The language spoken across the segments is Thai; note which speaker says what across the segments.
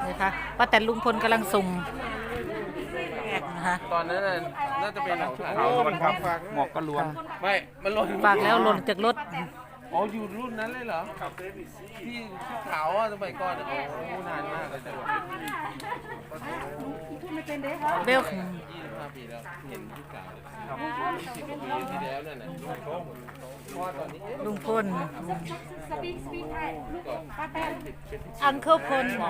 Speaker 1: นะคะป้าแต่ลุงพลกำลังส่งนะคะ
Speaker 2: ตอนนั้นน่าจะเป็นของ
Speaker 3: ขาวล้วนครับหมวกก็ล้วน
Speaker 2: ไม่มันหล่น
Speaker 1: ฝากแล้วหล่นจากรถ
Speaker 2: อ๋ออยู่รุ่นนั้นเลยเหรอที่ชุดขาวอ่ะสมัยก่อนโอ้นานมากเลยแต่ว่า
Speaker 1: เบล
Speaker 2: 25 ปีแล้วเห็นชุดขาวเลย10 ปีที่แล้วนั่นน่ะเพราะว่าตอนนี้
Speaker 1: ลุงพลอังเคิลพลนะ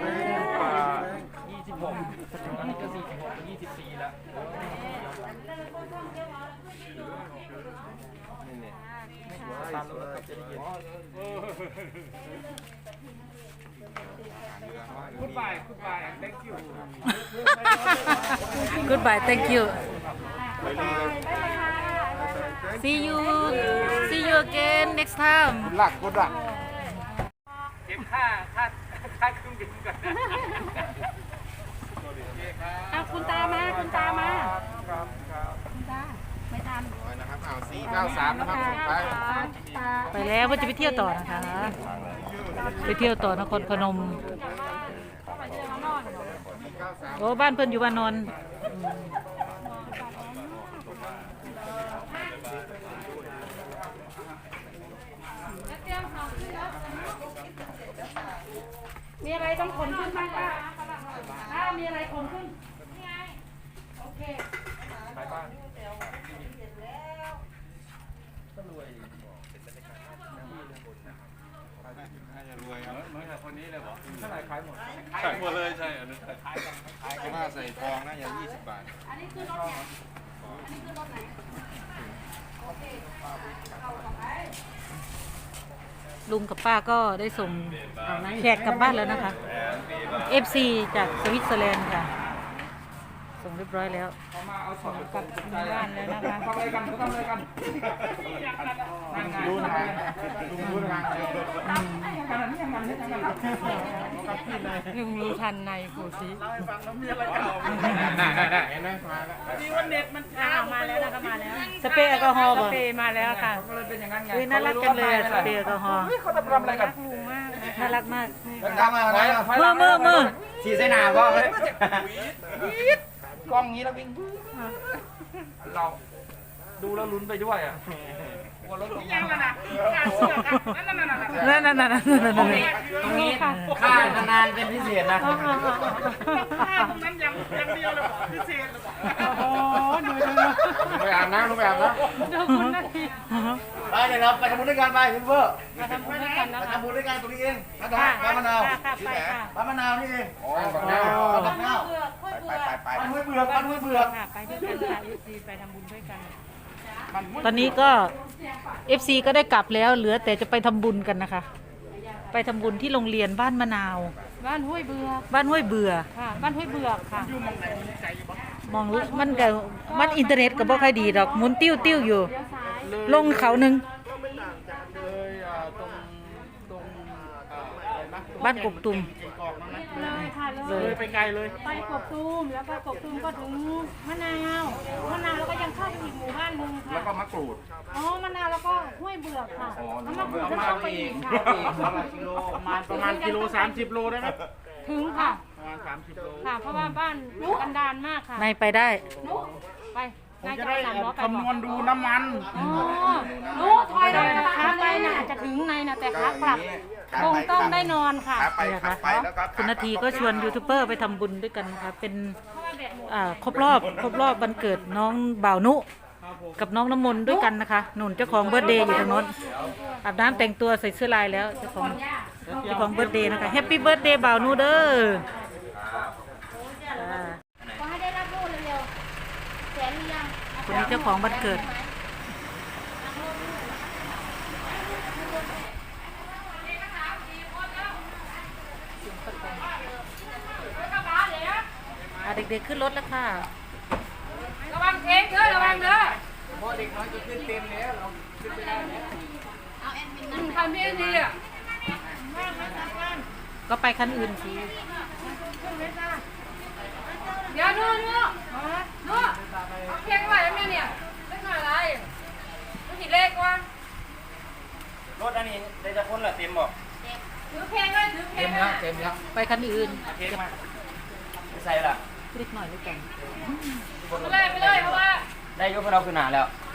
Speaker 2: เนี่ย
Speaker 1: Goodbye thank you see you again next time
Speaker 3: หลักก็หลัก
Speaker 4: เก็บค่าเครื่องบินก่อนนะ
Speaker 5: คุณตามาคุณตามา
Speaker 3: ครับครับ
Speaker 5: คุณตาไม่ทัน
Speaker 3: นะครับ493นะครับส่งไป
Speaker 5: ตา
Speaker 1: ไปแล้วว่าจะไปเที่ยวต่อนะคะ ไปเที่ยวต่อนครพนมโอ้บ้านเพิ่นอยู่บ้านนอน
Speaker 5: มีอะไรต้องขนขึ้นบ้างป้ามีอะไรขนขึ้นโอเค
Speaker 3: น่าจะรวยครับ
Speaker 4: เหมือนกับคนนี้เลยเหรอ
Speaker 3: เท่าไหร่ขายหมด
Speaker 4: ขายหมดเลยใช่อันนั้นขายกัน
Speaker 3: เพราะว่าใส่ทองน่าจะ20 บาท
Speaker 5: อันนี้คือรถไหนอันนี้คือรถไหนโอเค
Speaker 1: ลุงกับป้าก็ได้ส่งแขกกลับบ้านแล้วนะคะ FC จากสวิตเซอร์แลนด์ค่ะ ส่งเรียบร้อยแล้ว
Speaker 4: เขามาเอาสอบ
Speaker 1: กลับถึงบ้านแล้วนะคะ
Speaker 4: ทำอะไรกันเขาทำอะไรกันนั่นไง
Speaker 3: รู้ทางลุงรู้ทางเลย
Speaker 1: ลุงรู้ทันในโคซิ
Speaker 3: น่าเห็นไหมมาแล้ว
Speaker 4: ดีวันเน็ตมันช้า
Speaker 5: มาแล้วนะคะมาแล้ว
Speaker 1: สเปรย์แอลกอฮอล์
Speaker 5: ส
Speaker 1: บ่
Speaker 5: เปรย์มาแล้วค่ะ
Speaker 4: ก็เลยเป็นอย่างนั้นไง
Speaker 1: เฮ้ยน่ารักจังเลยอะสเปรย์แอลกอฮอล์
Speaker 4: เขาทำอะไรกัน
Speaker 1: น่ารักมาก
Speaker 3: ทำอะไรอ่ะ
Speaker 1: มือ
Speaker 4: ฉีดใส่หนาก็เลยกล้องนี้แล้ววิ่งเราดูแล้วลุ้นไปด้วยอ่ะกลัวรถตกยังนะการเสือกนั่น
Speaker 1: นั่น
Speaker 4: ตรงนี้ค่านานๆเป็นพิเศษนะค่าตรงนั้นยังเดียวเลยพิเศษเลยโอ้โหดู
Speaker 3: ลุงไปอาบน้ำลุงไปอาบน้ำ
Speaker 4: ไปเดี๋ยวเราไปทำบุญด้วยกันไปพี่เพื่อ
Speaker 5: มาทำบุญด้วยกันนะ
Speaker 4: ไป
Speaker 5: คะ
Speaker 4: ทำบุญด้วยกันตรงนี้เองบ้านมะนาว
Speaker 5: ไปค่ะ
Speaker 4: บ้านมะนาวนี่เอง
Speaker 3: อ๋อแบบนี้
Speaker 4: บ้านมะนาว
Speaker 3: ไป
Speaker 4: บ้านห้วยเบือกบ้านห้วยเบือก
Speaker 5: ค่ะไปด้วยกันค่ะดีไปทำบุญด้วยกัน
Speaker 1: ตอนนี้ก็ FC ก็ได้กลับแล้วเหลือแต่จะไปทำบุญกันนะคะ ไปทำบุญที่โรงเรียนบ้านมะนาว
Speaker 5: บ้านห้วยเบือก
Speaker 1: บ้านห้วยเบื่อ
Speaker 5: ค่ะ บ้านห้วยเบือกค่ะ
Speaker 1: มองมันก็มันอินเทอร์เน็ตก็บ่ค่อยดีดอกหมุนติ้วอยู่
Speaker 5: เลี้ยวซ้าย
Speaker 1: ลงเขาหนึ่ง
Speaker 4: เลยตรงอะไรนะ
Speaker 1: บ้านกกตุม
Speaker 5: เลยค่ะเล
Speaker 4: เลย ยไปไกลเลย
Speaker 5: ไปกบตูมแล้วก็กบตูมก็ถึงมะนาวแล้วก็ยังเข้าไปอีกหมู่บ้านหนึงค่ะ
Speaker 3: แล้วก็มะกรูด
Speaker 5: อ๋อมะนาวแล้วก็ห้วยเบือกค่ะแล้วมะกรูดก็เข้าไปอีกค่ะ
Speaker 4: ประมาณกิโล30 โลได้ไหม
Speaker 5: ถึงค่ะ
Speaker 4: ประมาณ30 โล
Speaker 5: ค่ะ เพราะว่าบ้านกันดารมากค่ะ
Speaker 1: ในไปได้
Speaker 5: ไป
Speaker 4: ผม
Speaker 5: นาย
Speaker 4: จะ
Speaker 5: จะ
Speaker 4: ได้
Speaker 5: ไปสามล้อไป
Speaker 4: คำนวณดูน้ำมัน
Speaker 5: อ๋อรู้ถอยเลยขาไปน่ะจะถึงในน่ะแต่ขากลับคงต้องได้นอนค่ะ
Speaker 3: ขาไป
Speaker 1: นี่นะ
Speaker 3: ขา
Speaker 1: คะ
Speaker 3: ไปแล้วก็
Speaker 1: คุณนาทีก็ชวนยูทูบเบอร์ไปทำบุญด้วยกันนะคะเป็นครบรอบวันเกิดน้องบ่าวนุกับน้องน้ำมนต์ด้วยกันนะคะหนุนเจ้าของเบิร์ธเดย์อยู่ทางโน้นอาบน้ำแต่งตัวใส่เสื้อลายแล้วเจ้าของเบิร์ธเดย์นะคะแฮปปี้เบิร์ธเดย์บ่าวนุเด้อจ้า
Speaker 5: ขอให้ได้รับรู้เร็วๆแสนหรือยัง
Speaker 1: คนนี้เจ้าของวันเกิดเด็กๆขึ้นรถแล้วค่ะ
Speaker 5: ระวังเทงเด้อระวังเด้อ
Speaker 4: พอเด็กน้อยจะขึ้นเต็มแล้วเราขึ้นไปได้แล้ว
Speaker 5: ทำได้ดีอ่ะ
Speaker 1: ก็ไปคันอื่นสิ
Speaker 5: เดี๋ยวนู่นเอาเพียงไว้แล้วเนี่ยเล็กหน่อยอะไรไม่ผิดเลขว่าร
Speaker 4: ถอันนี้ได้จะพ้นเหรอเต็มบอกเต็มแล้วเต็มแล้ว
Speaker 1: ไปคันอื่น
Speaker 4: เค้กมาใส่ละ
Speaker 1: เล็กหน่อยด้วยกัน
Speaker 4: ไปเลยเพราะว่าได้ยกพวกเราขึ้นหนาแล้ว